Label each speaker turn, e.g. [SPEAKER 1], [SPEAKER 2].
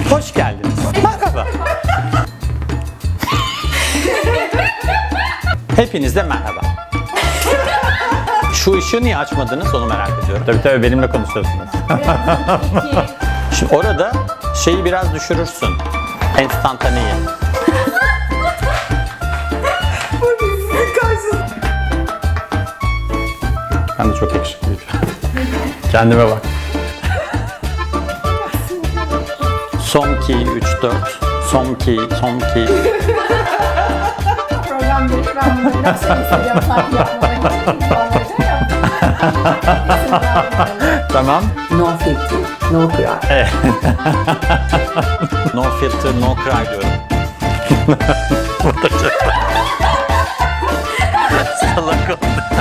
[SPEAKER 1] Hoş geldiniz. Merhaba. Hepinize merhaba. Şu ışığı niye açmadınız onu merak ediyorum. Tabii benimle konuşuyorsunuz. Şimdi orada şeyi biraz düşürürsün. Enstantaneyi. Ben de çok yakışıklıyım. Kendime bak. Son 2, 3, 4. Son 2, son 2.
[SPEAKER 2] Program değil, ben bunları nasıl hissediyorum sanki yapmamak için
[SPEAKER 1] Tamam.
[SPEAKER 3] No filter, no cry.
[SPEAKER 1] Evet. No filter, no cry diyorum. Bu da çok salak oldu.